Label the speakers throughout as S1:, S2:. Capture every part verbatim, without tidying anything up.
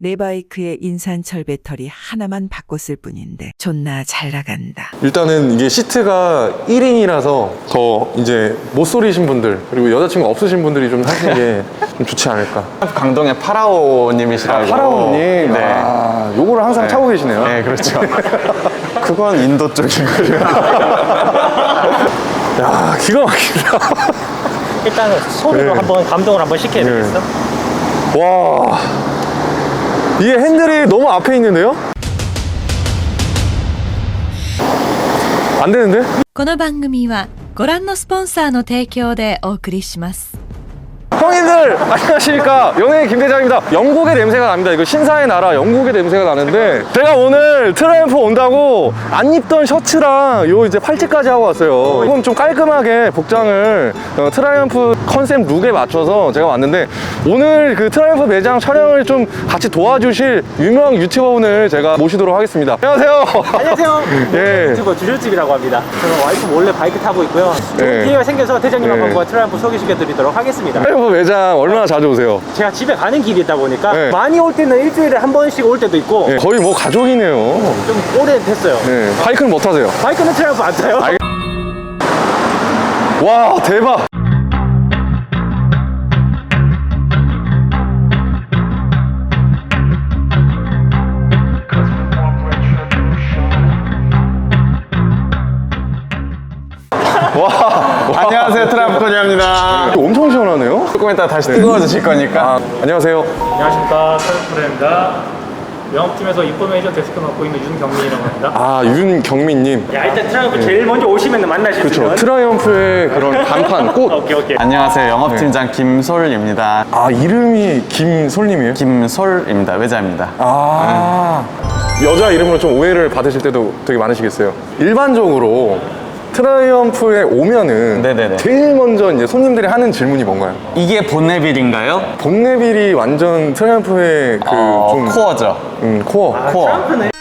S1: 내 바이크의 인산철 배터리 하나만 바꿨을 뿐인데 존나 잘 나간다.
S2: 일단은 이게 시트가 일 인이라서 더 이제 못소리신 분들 그리고 여자친구 없으신 분들이 좀 타시는 게 좀 좋지 않을까.
S3: 강동의 파라오님이시라고.
S2: 아, 파라오님.
S3: 네.
S2: 아, 요거를 항상
S3: 네.
S2: 차고 계시네요.
S3: 네, 그렇죠. 그건 인도 쪽인 거예요.
S2: 야, 기가 막히다.
S4: 일단은 소리로
S2: 네.
S4: 한번 감동을 한번 시켜야
S2: 네.
S4: 되겠어?
S2: 와, 이게 핸들이 너무 앞에 있는데요? 안 되는데?
S5: この番組はご覧のスポンサーの提供でお送りします。
S2: 형님들 안녕하십니까, 연예인 김대장입니다. 영국의 냄새가 납니다. 이거 신사의 나라 영국의 냄새가 나는데 제가 오늘 트라이언프 온다고 안 입던 셔츠랑 요 이제 팔찌까지 하고 왔어요. 이건 좀 깔끔하게 복장을 어, 트라이언프 컨셉 룩에 맞춰서 제가 왔는데 오늘 그 트라이언프 매장 촬영을 좀 같이 도와주실 유명 유튜버분을 제가 모시도록 하겠습니다. 안녕하세요.
S4: 안녕하세요.
S2: 예.
S4: 유튜버 주줄집이라고 합니다. 저는 와이프 몰래 바이크 타고 있고요.
S2: 예.
S4: 기회가 생겨서 대장님하고
S2: 예.
S4: 한번 트라이언프 소개시켜드리도록 하겠습니다.
S2: 트라이언프 매장 얼마나 자주 오세요?
S4: 제가 집에 가는 길이 있다 보니까
S2: 예.
S4: 많이 올 때는 일주일에 한 번씩 올 때도 있고
S2: 예, 거의 뭐 가족이네요.
S4: 좀 오래됐어요.
S2: 예, 바이크는 못 타세요?
S4: 바이크는 트라이언프 안 타요?
S2: 알- 와, 대박. 와, 와,
S3: 안녕하세요, 트라이언프코니아입니다.
S2: 엄청 시원하네요.
S3: 조금 이따 다시 뜨거워지실 거니까.
S2: 아, 안녕하세요.
S6: 안녕하십니까, 트라이언프입니다. 영업팀에서 입법 매니저 데스크 맡고 있는 윤경민이라고 합니다.
S2: 아, 윤경민님.
S4: 야, 일단 트라이언프 제일 먼저 오시면 만나실 수
S2: 그렇죠.
S4: 있는
S2: 트라이언프의 그런 간판, 꽃.
S4: 오케이 오케이.
S3: 안녕하세요, 영업팀장 김솔입니다.
S2: 아, 이름이 김솔님이에요?
S3: 김솔입니다. 외자입니다.
S2: 아, 여자 이름으로 좀 오해를 받으실 때도 되게 많으시겠어요. 일반적으로 트라이언프에 오면은
S3: 네네네.
S2: 제일 먼저 이제 손님들이 하는 질문이 뭔가요?
S3: 이게 본네빌인가요?
S2: 본네빌이 완전 트라이언프의 그
S3: 어,
S2: 좀
S3: 코어죠.
S2: 음, 코어.
S3: 코어.
S4: 트라이언프는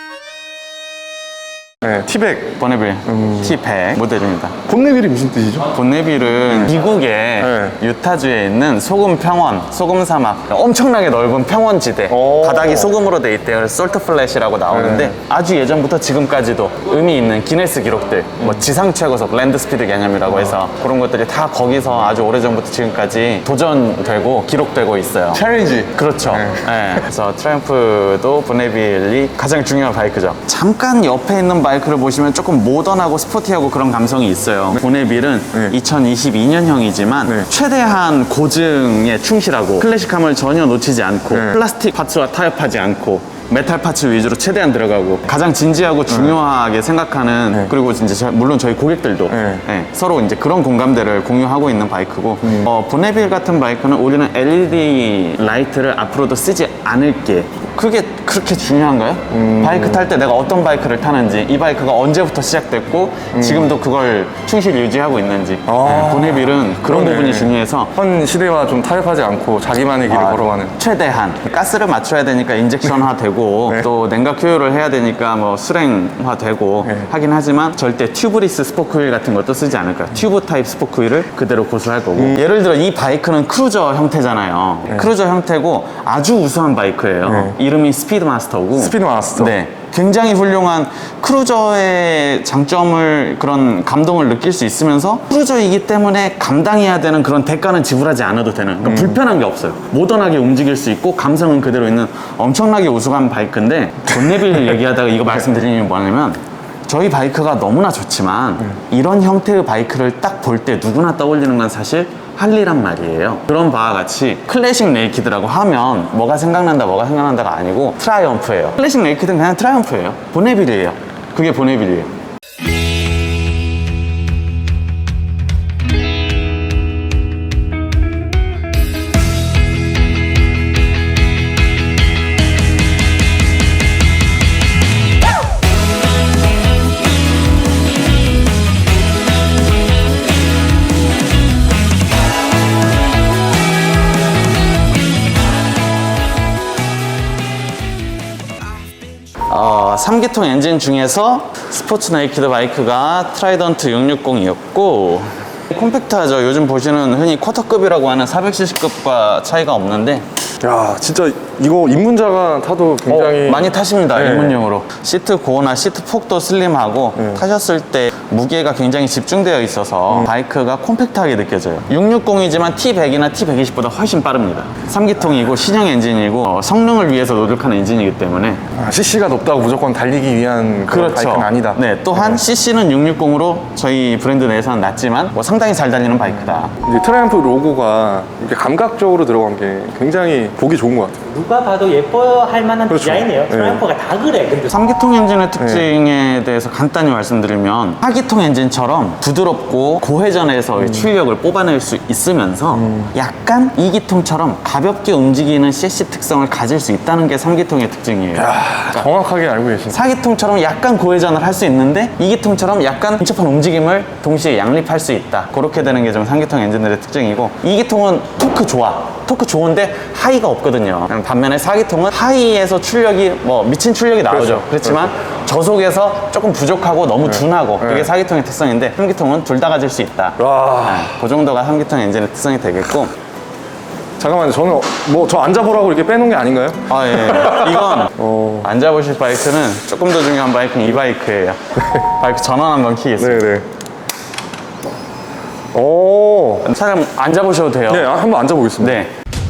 S2: 네, 티백.
S3: 본네빌 티 백 모델입니다.
S2: 본네빌이 무슨 뜻이죠?
S3: 본네빌은 미국의
S2: 네.
S3: 유타주에 있는 소금 평원, 소금 사막, 엄청나게 넓은 평원지대.
S2: 오.
S3: 바닥이 소금으로 돼 있대요. 그래서 솔트 플랫이라고 나오는데
S2: 네.
S3: 아주 예전부터 지금까지도 의미 있는 기네스 기록들, 뭐 지상 최고속 랜드 스피드 개념이라고 해서 그런 것들이 다 거기서 아주 오래전부터 지금까지 도전되고 기록되고 있어요.
S2: 챌린지.
S3: 그렇죠.
S2: 네.
S3: 네. 그래서 트라이언프도 본네빌이 가장 중요한 바이크죠. 잠깐 옆에 있는 바이크를 보시면 조금 모던하고 스포티하고 그런 감성이 있어요. 본네빌은
S2: 네.
S3: 이천이십이 년형이지만
S2: 네.
S3: 최대한 고증에 충실하고 클래식함을 전혀 놓치지 않고
S2: 네.
S3: 플라스틱 파츠와 타협하지 않고 메탈 파츠 위주로 최대한 들어가고 가장 진지하고 중요하게 생각하는
S2: 네.
S3: 그리고 이제 저- 물론 저희 고객들도
S2: 네.
S3: 네, 서로 이제 그런 공감대를 공유하고 있는 바이크고 어, 본네빌 같은 바이크는 우리는 엘이디 라이트를 앞으로도 쓰지 않을게. 그게 그렇게 중요한가요? 바이크 탈 때 내가 어떤 바이크를 타는지 이 바이크가 언제부터 시작됐고 지금도 그걸 충실히 유지하고 있는지
S2: 아.
S3: 네, 본네빌은 그런
S2: 그러네.
S3: 부분이 중요해서
S2: 현 시대와 좀 타협하지 않고 자기만의 길을
S3: 아,
S2: 걸어가는.
S3: 최대한 가스를 맞춰야 되니까 인젝션화 되고
S2: 네.
S3: 또 냉각 효율을 해야 되니까 뭐 수랭화 되고
S2: 네.
S3: 하긴 하지만 절대 튜브리스 스포크 휠 같은 것도 쓰지 않을 거야. 튜브 타입 스포크 휠을 그대로 고수할 거고
S2: 음.
S3: 예를 들어 이 바이크는 크루저 형태잖아요. 크루저 형태고 아주 우수한 바이크예요.
S2: 네.
S3: 이름이 스피드마스터고
S2: 스피드마스터.
S3: 네. 굉장히 훌륭한 크루저의 장점을 그런 감동을 느낄 수 있으면서 크루저이기 때문에 감당해야 되는 그런 대가는 지불하지 않아도 되는 그러니까 불편한 게 없어요. 모던하게 움직일 수 있고 감성은 그대로 있는 엄청나게 우수한 바이크인데 본네빌 얘기하다가 이거 말씀드리는 게 뭐냐면 저희 바이크가 너무나 좋지만 이런 형태의 바이크를 딱 볼 때 누구나 떠올리는 건 사실 할리란 말이에요. 그런 바와 같이 클래식 네이키드라고 하면 뭐가 생각난다 뭐가 생각난다가 아니고 트라이언프예요. 클래식 네이키드는 그냥 트라이언프예요. 본네빌이에요. 그게 본네빌이에요. 어, 삼 기통 엔진 중에서 스포츠 네이키드 바이크가 트라이던트 육백육십이었고 콤팩트하죠. 요즘 보시는 흔히 쿼터급이라고 하는 사백 씨씨급과 차이가 없는데
S2: 야, 진짜 이거 입문자가 타도 굉장히
S3: 어, 많이 타십니다.
S2: 네.
S3: 입문용으로. 시트 고나 시트 폭도 슬림하고
S2: 네.
S3: 타셨을 때 무게가 굉장히 집중되어 있어서 바이크가 콤팩트하게 느껴져요. 육백육십이지만 티 백이나 티 백이십보다 훨씬 빠릅니다. 삼 기통이고 신형 엔진이고 어, 성능을 위해서 노력하는 엔진이기 때문에
S2: 아, 씨씨가 높다고 무조건 달리기 위한 그런 바이크는 아니다.
S3: 네, 또한 씨씨는 육백육십으로 저희 브랜드 내에서는 낮지만 뭐 상당히 잘 달리는 바이크다.
S2: 이제 트라이언프 로고가 이렇게 감각적으로 들어간 게 굉장히 보기 좋은 것 같아요.
S4: 누가 봐도 예뻐할 만한
S2: 그렇죠.
S4: 디자인이에요.
S2: 네.
S4: 트라이언프가 다 그래. 근데
S3: 삼 기통 엔진의 특징에 대해서 간단히 말씀드리면 사 기통 엔진처럼 부드럽고 고회전에서 의 출력을 뽑아낼 수 있으면서 약간 이 기통처럼 가볍게 움직이는 씨씨 특성을 가질 수 있다는 게 삼 기통의 특징이에요.
S2: 아, 정확하게 알고 계시네.
S3: 사 기통처럼 약간 고회전을 할 수 있는데 이 기통처럼 약간 복잡한 움직임을 동시에 양립할 수 있다. 그렇게 되는 게 좀 삼 기통 엔진들의 특징이고 이 기통은 토크 좋아. 토크 좋은데 하이가 없거든요. 반면에 사 기통은 하이에서 출력이 뭐 미친 출력이 나오죠.
S2: 그렇죠.
S3: 그렇지만 저속에서 조금 부족하고 너무 둔하고 그게 사 기통의 특성인데 삼 기통은 둘 다 가질 수 있다.
S2: 와.
S3: 네, 그 정도가 삼 기통 엔진의 특성이 되겠고
S2: 잠깐만요. 저는 뭐 저 앉아보라고 이렇게 빼놓은 게 아닌가요?
S3: 아, 예. 이건
S2: 어.
S3: 앉아보실 바이크는 조금 더 중요한 바이크는 이 바이크예요. 바이크 전원 한번 키겠습니다.
S2: 네네. 오.
S3: 차량 앉아보셔도 돼요.
S2: 네, 아, 한번 앉아보겠습니다.
S3: 네.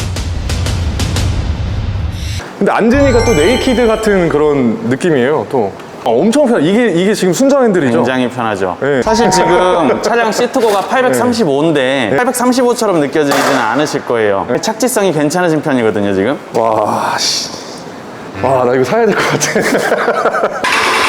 S2: 근데 앉으니까 또 네이키드 같은 그런 느낌이에요. 또 어, 엄청 편. 이게 이게 지금 순정 핸들이죠.
S3: 굉장히 편하죠.
S2: 네.
S3: 사실 지금 차량 시트고가 팔백삼십오인데 팔백삼십오처럼 느껴지지는 않으실 거예요. 착지성이 괜찮으신 편이거든요, 지금.
S2: 와, 씨. 와, 나 이거 사야 될 것 같아.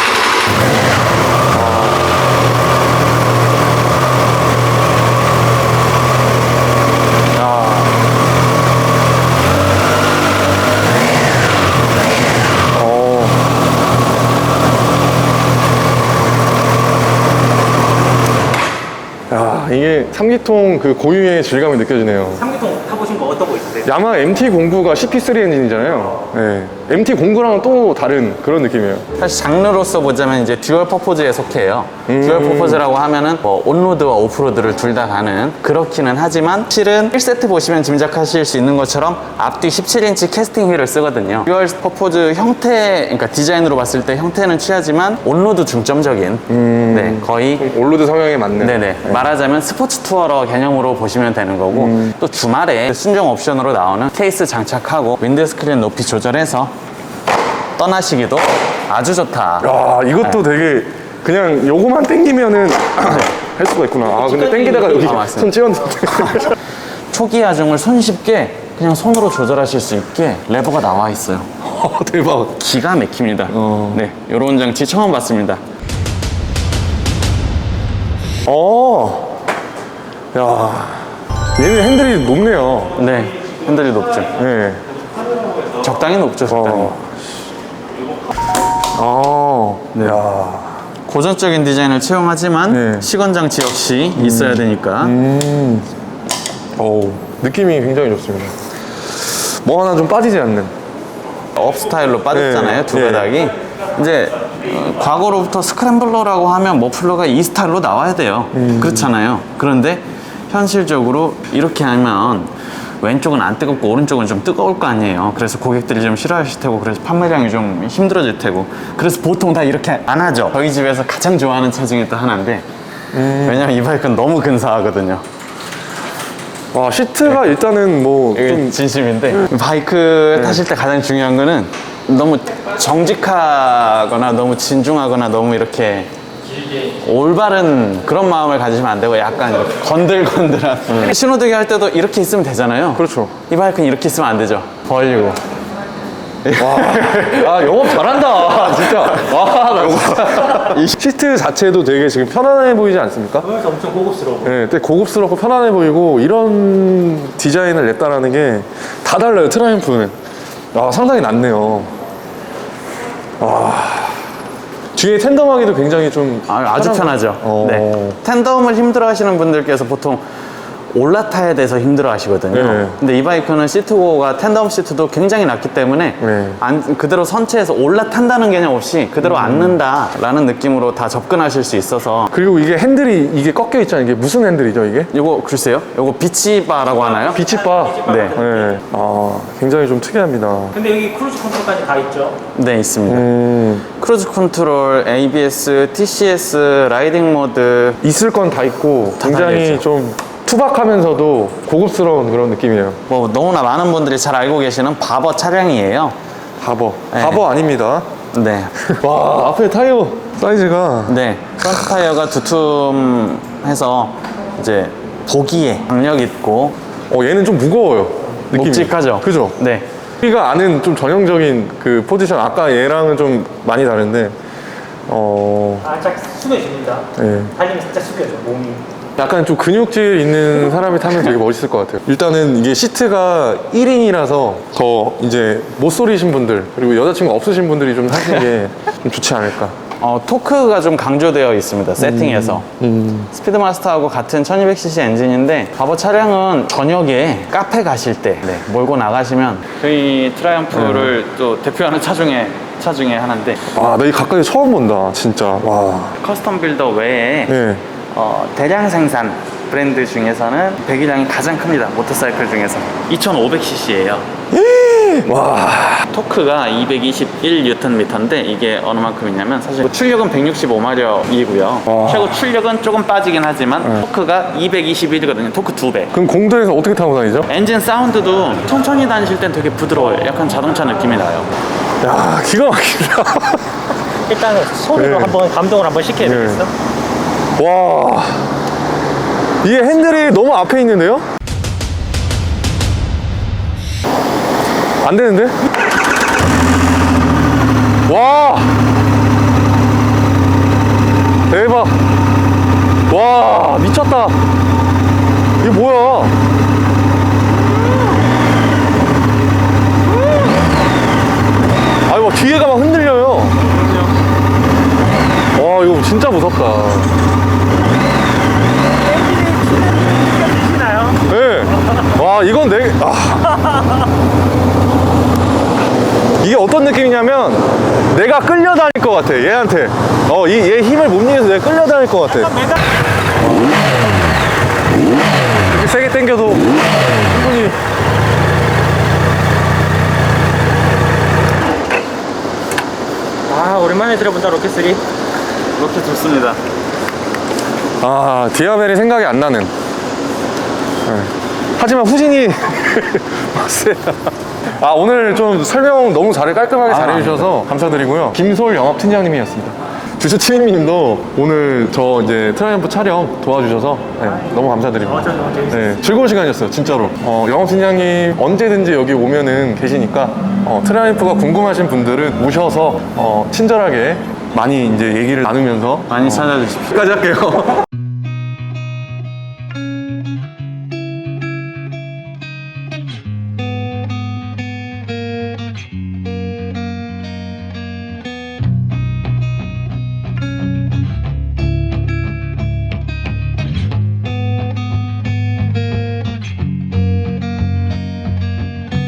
S2: 야, 이게 삼 기통 그 고유의 질감이 느껴지네요.
S4: 삼 기통 타보신 거 어떤 거 있으세요?
S2: 야마 엠티 공구가 씨피 쓰리 엔진이잖아요. 네. 엠티 공구랑은 또 다른 그런 느낌이에요.
S3: 사실 장르로서 보자면 이제 듀얼 퍼포즈에 속해요.
S2: 음.
S3: 듀얼 퍼포즈라고 하면은 뭐 온로드와 오프로드를 둘 다 가는 그렇기는 하지만 실은 일 세트 보시면 짐작하실 수 있는 것처럼 앞뒤 십칠 인치 캐스팅 휠을 쓰거든요. 듀얼 퍼포즈 형태, 그러니까 디자인으로 봤을 때 형태는 취하지만 온로드 중점적인
S2: 음.
S3: 네, 거의
S2: 올로드 성향에 맞는.
S3: 네네. 말하자면 스포츠 투어러 개념으로 보시면 되는 거고
S2: 음.
S3: 또 주말에 순정 옵션으로 나오는 케이스 장착하고 윈드스크린 높이 조절해서 떠나시기도 아주 좋다.
S2: 야, 이것도 되게 그냥 요거만 땡기면은 할 수가 있구나. 아, 근데 땡기다가 여기
S3: 아, 맞습니다.
S2: 손 찌었는데.
S3: 초기 하중을 손쉽게 그냥 손으로 조절하실 수 있게 레버가 나와 있어요.
S2: 어, 대박.
S3: 기가 막힙니다.
S2: 어.
S3: 네, 이런 장치 처음 봤습니다.
S2: 어. 야. 얘는 핸들이 높네요.
S3: 네, 핸들이 높죠.
S2: 네.
S3: 적당히 높죠, 적당히.
S2: 어. 어.
S3: 네.
S2: 야.
S3: 고전적인 디자인을 채용하지만
S2: 네.
S3: 시건 장치 역시 있어야 되니까
S2: 음. 어우, 느낌이 굉장히 좋습니다. 뭐 하나 좀 빠지지 않는.
S3: 업 스타일로 빠졌잖아요,
S2: 네.
S3: 두
S2: 네.
S3: 가닥이. 이제 어, 과거로부터 스크램블러라고 하면 머플러가 이 스타일로 나와야 돼요.
S2: 음.
S3: 그렇잖아요. 그런데 현실적으로 이렇게 하면 왼쪽은 안 뜨겁고 오른쪽은 좀 뜨거울 거 아니에요. 그래서 고객들이 좀 싫어하실 테고 그래서 판매량이 좀 힘들어질 테고 그래서 보통 다 이렇게 안 하죠. 저희 집에서 가장 좋아하는 차 중에 또 하나인데
S2: 음.
S3: 왜냐면 이 바이크는 너무 근사하거든요.
S2: 와, 시트가 일단은 뭐
S3: 이게
S2: 좀.
S3: 진심인데 바이크 타실 때 가장 중요한 거는 너무 정직하거나 너무 진중하거나 너무 이렇게 올바른 그런 마음을 가지시면 안 되고 약간 이렇게 건들건들한 신호대기 할 때도 이렇게 있으면 되잖아요.
S2: 그렇죠.
S3: 이 바이크는 이렇게 있으면 안 되죠. 벌리고.
S2: 와, 아, 영업 잘한다. 진짜. 와, 나 진짜. 이 시트 자체도 되게 지금 편안해 보이지 않습니까?
S4: 그래서 엄청 고급스러워.
S2: 네, 되게 고급스럽고 편안해 보이고 이런 디자인을 냈다라는 게 다 달라요, 트라이언프는. 아, 상당히 낫네요. 와. 뒤에 텐덤하기도 굉장히 좀
S3: 아, 아주
S2: 편한-
S3: 편하죠.
S2: 어.
S3: 네. 텐덤을 힘들어 하시는 분들께서 보통 올라타야 돼서 힘들어 하시거든요.
S2: 네.
S3: 근데 이 바이크는 시트고가 텐덤 시트도 굉장히 낮기 때문에
S2: 네.
S3: 안- 그대로 선체에서 올라탄다는 개념 없이 그대로
S2: 음.
S3: 앉는다라는 느낌으로 다 접근하실 수 있어서
S2: 그리고 이게 핸들이 이게 꺾여 있잖아요. 이게 무슨 핸들이죠, 이게?
S3: 요거 글쎄요? 요거 비치바라고 하나요?
S2: 비치바.
S3: 네.
S2: 네. 아, 굉장히 좀 특이합니다.
S4: 근데 여기 크루즈 컨트롤까지 다 있죠?
S3: 네, 있습니다.
S2: 음,
S3: 크루즈 컨트롤, 에이비에스, 티씨에스, 라이딩 모드
S2: 있을 건 다 있고
S3: 다
S2: 굉장히
S3: 달려있죠.
S2: 좀 투박하면서도 고급스러운 그런 느낌이에요.
S3: 뭐 너무나 많은 분들이 잘 알고 계시는 바버 차량이에요.
S2: 바버.
S3: 네.
S2: 바버 아닙니다.
S3: 네.
S2: 와, 앞에 타이어 사이즈가.
S3: 네. 프론트 타이어가 두툼해서 이제 보기에 박력 있고
S2: 어, 얘는 좀 무거워요. 느낌이.
S3: 묵직하죠?
S2: 그죠?
S3: 네.
S2: 우리가 아는 좀 전형적인 그 포지션, 아까 얘랑은 좀 많이 다른데, 어,
S4: 살짝 숙여집니다.
S2: 예.
S4: 달리면 살짝 숙여져, 몸이.
S2: 약간 좀 근육질 있는 사람이 타면 되게 멋있을 것 같아요. 일단은 이게 시트가 일 인이라서 더 이제 못소리신 분들, 그리고 여자친구 없으신 분들이 좀 타시는 게 좀 좋지 않을까.
S3: 어, 토크가 좀 강조되어 있습니다. 세팅에서. 스피드마스터하고 같은 천이백 씨씨 엔진인데 바버 차량은 저녁에 카페 가실 때 네, 몰고 나가시면 저희 트라이언프를 또 대표하는 차 중에 차 중에 하나인데
S2: 와, 나 이 가까이 처음 본다, 진짜. 와.
S3: 커스텀 빌더 외에
S2: 네.
S3: 어, 대량 생산 브랜드 중에서는 배기량이 가장 큽니다. 모터사이클 중에서 이천오백 씨씨예요.
S2: 와.
S3: 토크가 이백이십일 뉴턴 미터인데 이게 어느 만큼 있냐면 사실 뭐 출력은 백육십오 마력이고요.
S2: 와.
S3: 최고 출력은 조금 빠지긴 하지만 토크가 이백이십일이거든요. 토크 두 배.
S2: 그럼 공도에서 어떻게 타고 다니죠?
S3: 엔진 사운드도 천천히 다니실 땐 되게 부드러워요. 약간 자동차 느낌이 나요.
S2: 야, 기가 막히다.
S4: 일단 소리로
S2: 네.
S4: 한번 감동을 한번 시켜야
S2: 네.
S4: 되겠어?
S2: 와. 이게 핸들이 너무 앞에 있는데요? 안 되는데? 와. 대박. 와, 미쳤다. 이게 뭐야? 아니, 막 뒤에가 막 흔들려요. 와, 이거 진짜 무섭다.
S4: 시나요?
S2: 네. 와, 이건 내, 아. 이게 어떤 느낌이냐면, 내가 끌려다닐 것 같아, 얘한테. 어, 이, 얘 힘을 못 이겨서 내가 끌려다닐 것 같아. 이렇게 세게 당겨도 충분히.
S4: 아, 오랜만에 들어본다, 로켓쓰리.
S3: 이렇게 좋습니다.
S2: 아, 디아벨이 생각이 안 나는. 네. 하지만 후진이 맞어요. 아, 오늘 좀 설명 너무 잘 깔끔하게 잘 해주셔서 감사드리고요. 김솔 영업팀장님이었습니다. 주주 치민님도 오늘 저 이제 트라이언프 촬영 도와주셔서 네, 너무 감사드립니다.
S4: 어, 저 너무 재밌었어요.
S2: 네, 즐거운 시간이었어요, 진짜로. 어, 영업팀장님 언제든지 여기 오면은 계시니까 어, 트라이언프가 궁금하신 분들은 오셔서 어, 친절하게 많이 이제 얘기를 나누면서
S3: 많이 찾아주십시오.
S2: 여기까지 할게요.